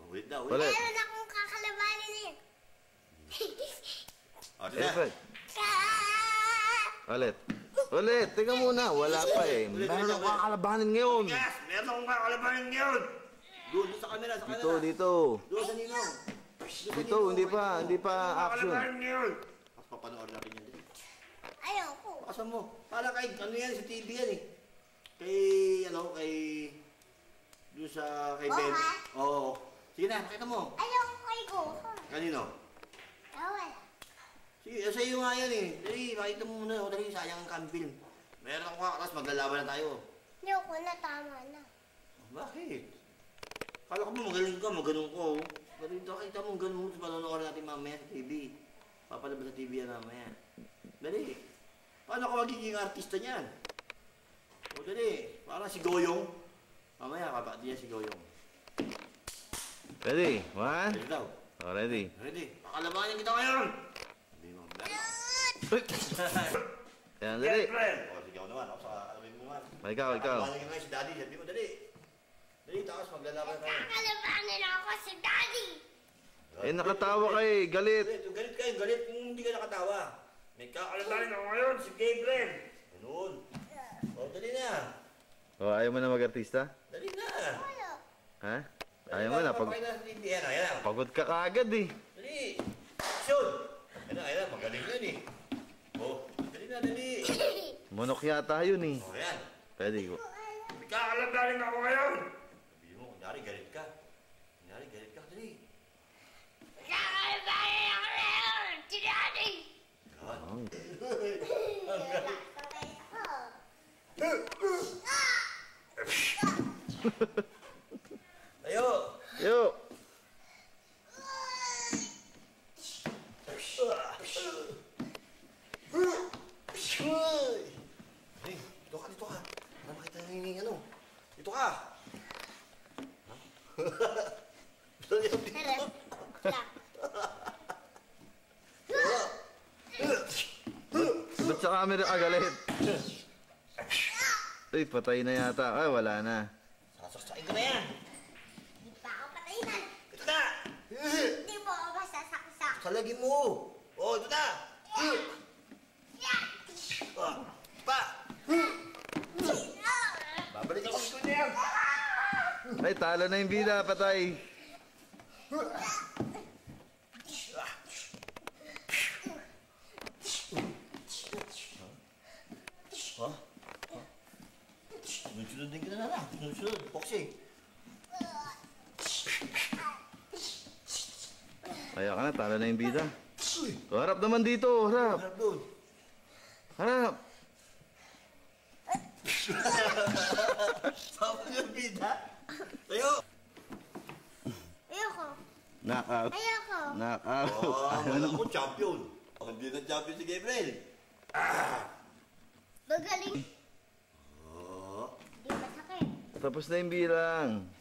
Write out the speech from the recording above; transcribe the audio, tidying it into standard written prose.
Ulit daw. Ulit. Meron akong kakalabanin eh. Ulit. Ulit. Ulit. Teka muna. Wala pa eh. Meron akong kakalabanin ngayon. Yes! Meron akong kakalabanin ngayon! Doon sa camera, sa camera. Dito. Doon sa ninong. Dito, hindi pa action. Kakalabanin ngayon! Tapos papanoorin natin yan. Ayoko. Pakasan mo. Para kay, ano yan, sa TV yan eh. Kay, doon sa, kay Ben. Oo. Sige na, pakita mo. Ayoko kay Gohan. Kanino? Bawal. Sige, sa iyo nga yan eh. Dali, makita mo muna. O, dali, sayang ang camping. Meron ako tapos maglalaban na tayo. Ayoko na, tama na. Bakit? Kala ko mo magaling ka, maganon ko. Pero ito, kita mo ganun sa panonood natin mamaya sa TV. Papalabas sa TV yan mamaya. Dali. Paano ako magiging artista niyan? O dali, parang si Goyong. Mamaya, kapatid niya si Goyong. Ready? One. Ready daw. Oh, ready. Ready. Pakalabanin kita ngayon! Hindi mo Yan, dali. O, sige ako naman. Ako sa alawin mo naman. Ikaw. Pakalabanin ka ngayon si Daddy. Sabi mo, dali. Dali, takas maglalaban tayo. Kakalabanin ako si Daddy. Eh, nakatawa ka eh. Galit. Galit kayo, galit kung hindi ka nakatawa. May kakalabanin ako ngayon, si Gabriel. Ganun. O, dali na. Oh, ayaw mo na mag-artista? Dali na. Wala. Ha? Ayaw mo na. Pagod ka kaagad eh. Dali. Action. Ayan na, magaling yun eh. O, dali na, dali. Monok yata yun eh. O, yan. Pwede ko. May kakalabanin ako ngayon. Sabi mo, kunyari galit ka. Dali. Kakalabanin ako ngayon si Daddy. Yan. Tayo! Yo! Hey, dito ka. Para makita yung ano. Dito ka! Ba't sa camera ka galit? Uy, patay na yata. Ay, wala na. Sasaksakin ko na yan! Hindi pa ako patayinan. Ito na! Hindi mo ako masasaksak. Salagin mo! Oh, ito na! Pa! Babalik ako sa kanya yan! Ay, talo na yung bida. Patay. Ha? Sunod-sunod din ka na lang. Sunod-sunod. Boxing. Ayaw ka na, talo na yung bida. Harap naman dito, harap. Harap doon. Harap. Saan yung bida? Tayo! Ayoko. Knockout. Ayoko. Knockout. Wala ko champion. Hindi na champion si Gabriel. Magaling. Oh. Hindi masakit. Tapos na yung bilang.